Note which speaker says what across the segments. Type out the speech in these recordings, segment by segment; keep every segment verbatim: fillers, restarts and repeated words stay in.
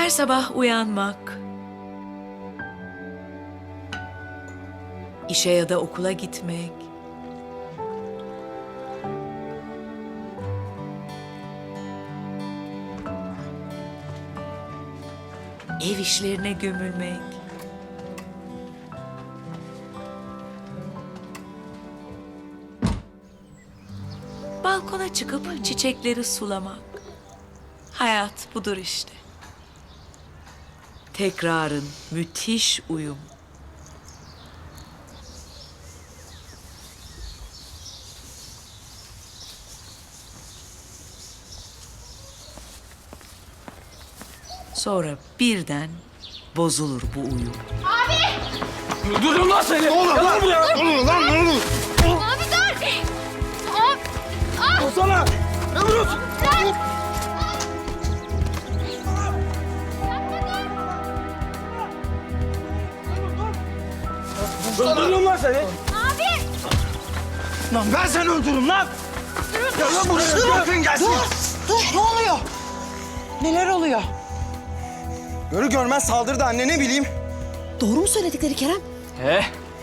Speaker 1: Her sabah uyanmak, işe ya da okula gitmek, ev işlerine gömülmek, balkona çıkıp çiçekleri sulamak. Hayat budur işte. Tekrarın müthiş uyum. Sonra birden bozulur bu uyum.
Speaker 2: Durun lan seni! Ne oluyor lan? Ne oluyor lan? Ne oluyor?
Speaker 3: Abi dur! Abi! Ah!
Speaker 2: Dursana! Ne vuruyorsun? Öldürürüm lan seni!
Speaker 3: Abi!
Speaker 2: Lan ben seni öldürürüm lan! Gel lan buraya! Bırakın gelsin!
Speaker 4: Dur, ne oluyor? Neler oluyor?
Speaker 2: Görü görmez saldırdı anne, ne bileyim.
Speaker 4: Doğru mu söyledikleri Kerem?
Speaker 2: He?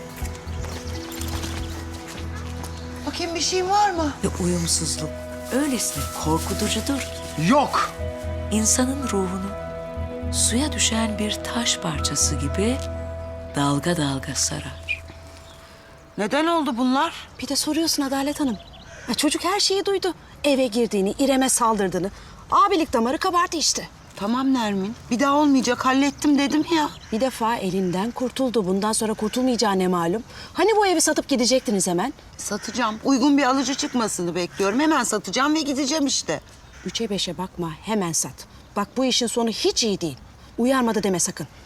Speaker 4: Bakayım bir şeyin var mı?
Speaker 1: Ve uyumsuzluk öylesine korkutucudur ki
Speaker 2: Yok!
Speaker 1: insanın ruhunu suya düşen bir taş parçası gibi dalga dalga sarar.
Speaker 4: Neden oldu bunlar? Bir de soruyorsun Adalet Hanım. Ya çocuk her şeyi duydu. Eve girdiğini, İrem'e saldırdığını. Abilik damarı kabardı işte.
Speaker 5: Tamam Nermin. Bir daha olmayacak. Hallettim dedim ya.
Speaker 4: Bir defa elinden kurtuldu. Bundan sonra kurtulmayacağı ne malum? Hani bu evi satıp gidecektiniz hemen?
Speaker 5: Satacağım. Uygun bir alıcı çıkmasını bekliyorum. Hemen satacağım ve gideceğim işte.
Speaker 4: Üçe beşe bakma, hemen sat. Bak bu işin sonu hiç iyi değil. Uyarmadı deme sakın.